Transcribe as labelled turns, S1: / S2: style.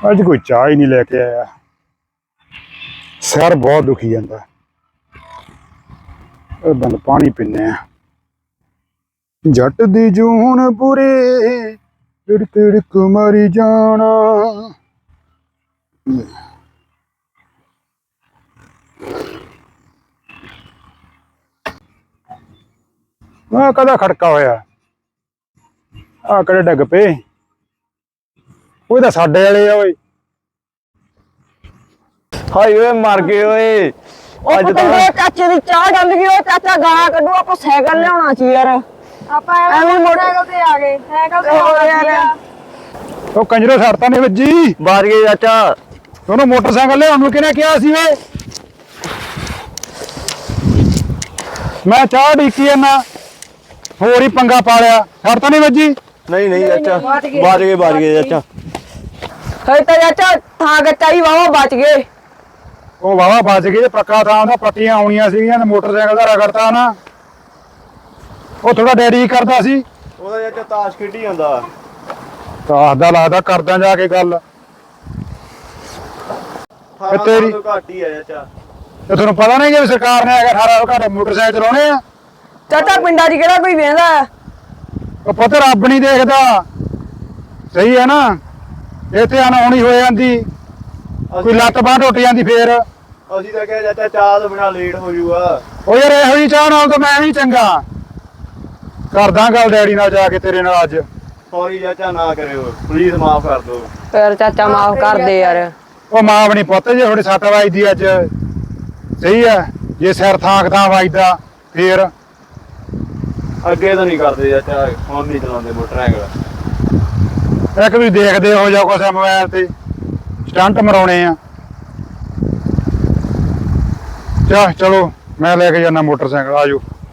S1: ਅੱਜ ਕੋਈ ਚਾਹ ਹੀ ਨਹੀਂ ਲੈ ਕੇ ਆਇਆ। ਸਿਰ ਬਹੁਤ ਦੁਖੀ ਜਾਂਦਾ। ਬੰਦ ਪਾਣੀ ਪੀਨੇ ਆ। ਜੱਟ ਦੀ ਜੂਨ ਪੂਰੇ ਤਿੜ ਤਿੜਕ ਮਰੀ ਜਾਣਾ। ਆ ਕਦਾ ਖੜਕਾ ਹੋਇਆ? ਆ ਕਿਹੜੇ ਡਿੱਗ ਪਏ? ਉਹ ਤਾਂ ਸਾਡੇ ਵਾਲੇ ਆ ਓਏ।
S2: ਹਾਏ ਓਏ ਮਰ ਗਏ ਓਏ।
S3: ਅੱਜ ਤਾਂ ਚਾਚੇ ਦੀ ਚਾਹ ਜੰਮ ਗਈ। ਉਹ ਚਾਚਾ ਗਾਲਾਂ ਕੱਢੂ। ਆਪਾਂ ਸਾਈਕਲ ਲਿਆਉਣਾ ਸੀ ਯਾਰ।
S4: ਆਪਾਂ ਐਵੇਂ ਮੋਟਰਸਾਈਕਲ ਤੇ ਆ ਗਏ। ਸਾਈਕਲ ਤੇ ਆ ਗਏ।
S1: ਉਹ ਕੰਜਰੋ ਸੜਤਾ ਨਹੀਂ ਵੱਜੀ।
S2: ਬਾਜ ਗਏ ਚਾਚਾ।
S1: ਉਹਨੂੰ ਮੋਟਰਸਾਈਕਲ ਲਿਆਉਣ ਨੂੰ ਕਿਹਨੇ ਕਿਹਾ ਸੀ ਵੇ? ਮੈਂ ਚਾਹ ਢੀਕੀ ਜਾਂਦਾ, ਹੋਰ ਹੀ ਪੰਗਾ ਪਾ ਲਿਆ। ਸੜਤਾ ਨਹੀਂ ਵੱਜੀ?
S2: ਨਹੀਂ ਨਹੀਂ ਚਾਚਾ, ਬਾਜ ਗਏ ਚਾਚਾ।
S3: ਹਏ ਤਾਂ ਚਾਚਾ ਥਾਂ ਗੱਚਾ ਹੀ ਵਾਵਾ ਬਚ ਗਏ।
S1: ਉਹ ਵਾਵਾ ਬਚ ਗਏ। ਪੱਕਾ ਥਾਂ ਦਾ ਪੱਟੀਆਂ ਆਉਣੀਆਂ ਸੀਗੀਆਂ ਤੇ ਮੋਟਰਸਾਈਕਲ ਦਾ ਰਗੜਤਾ ਨਾ। ਉਹ ਥੋੜਾ ਡੈਡੀ ਕਰਦਾ ਸੀ।
S2: ਉਹਦਾ ਚਾਚਾ ਤਾਸ਼ ਖੇਡੀ ਜਾਂਦਾ।
S1: ਤਾਸ਼ ਦਾ ਲੱਗਦਾ ਕਰਦਾ ਜਾ ਕੇ ਗੱਲ। ਤੇਰੀ
S2: ਘੱਟ ਹੀ ਆ ਚਾਚਾ।
S1: ਤੇ ਤੁਹਾਨੂੰ ਪਤਾ ਨਹੀਂ ਕਿ ਸਰਕਾਰ ਨੇ 18 ਘੰਟੇ ਮੋਟਰਸਾਈਕਲ ਚਲਾਉਣੇ ਆ।
S3: ਚਾਚਾ ਪਿੰਡਾਂ 'ਚ ਕਿਹੜਾ ਕੋਈ ਵੇਂਦਾ?
S1: ਉਹ ਪੁੱਤ ਰੱਬ ਨਹੀਂ ਦੇਖਦਾ। ਸਹੀ ਹੈ ਨਾ? ਇੱਥੇ ਅਣਹੋਣੀ ਹੋ ਜਾਂਦੀ, ਕੋਈ ਲੱਤ ਬਾਂਹ ਟੁੱਟ ਜਾਂਦੀ ਫੇਰ।
S2: ਅਸੀਂ ਤਾਂ ਕਿਹਾ ਚਾਚਾ ਚਾਹ ਤੋਂ ਬਿਨਾ ਲੇਟ ਹੋ ਜੂਗਾ।
S1: ਉਹ ਯਾਰ ਇਹੋ ਜਿਹੀ ਚਾਹ ਨਾਲ ਤਾਂ ਮੈਂ ਵੀ ਚੰਗਾ। ਕਰਦਾ ਗੱਲ ਡੈਡੀ ਨਾਲ ਜਾ ਕੇ ਤੇਰੇ ਨਾਲ ਅੱਜ।
S2: ਸੌਰੀ ਚਾਚਾ, ਨਾ ਕਰਿਓ ਪਲੀਜ਼, ਮਾਫ ਕਰ ਦਿਓ।
S3: ਫਿਰ ਚਾਚਾ ਮਾਫ ਕਰ ਦੇ ਯਾਰ।
S1: ਉਹ ਮਾਂ ਵੀ ਨਹੀਂ ਪੁੱਤ, ਜੇ ਥੋੜੀ ਸੱਟ ਵੱਜਦੀ ਅੱਜ। ਸਹੀ ਹੈ, ਜੇ ਸਿਰ ਥਾਂ ਵੱਜਦਾ ਫੇਰ।
S2: ਅੱਗੇ ਤਾਂ ਨਹੀਂ ਕਰਦੇ ਚਾਚਾ, ਹੁਣ ਨਹੀਂ ਚਲਾਉਂਦੇ ਮੋਟਰਸਾਈਕਲ।
S1: ਇੱਕ ਵੀ ਦੇਖਦੇ ਹੋ ਜਾ ਕੁਛ ਮੋਬਾਈਲ ਤੇ ਸਟੰਟ ਮਰਾਉਣੇ ਆ। ਚਲੋ ਮੈਂ ਲੈ ਕੇ ਜਾਣਾ ਮੋਟਰਸਾਈਕਲ। ਆਜੋ।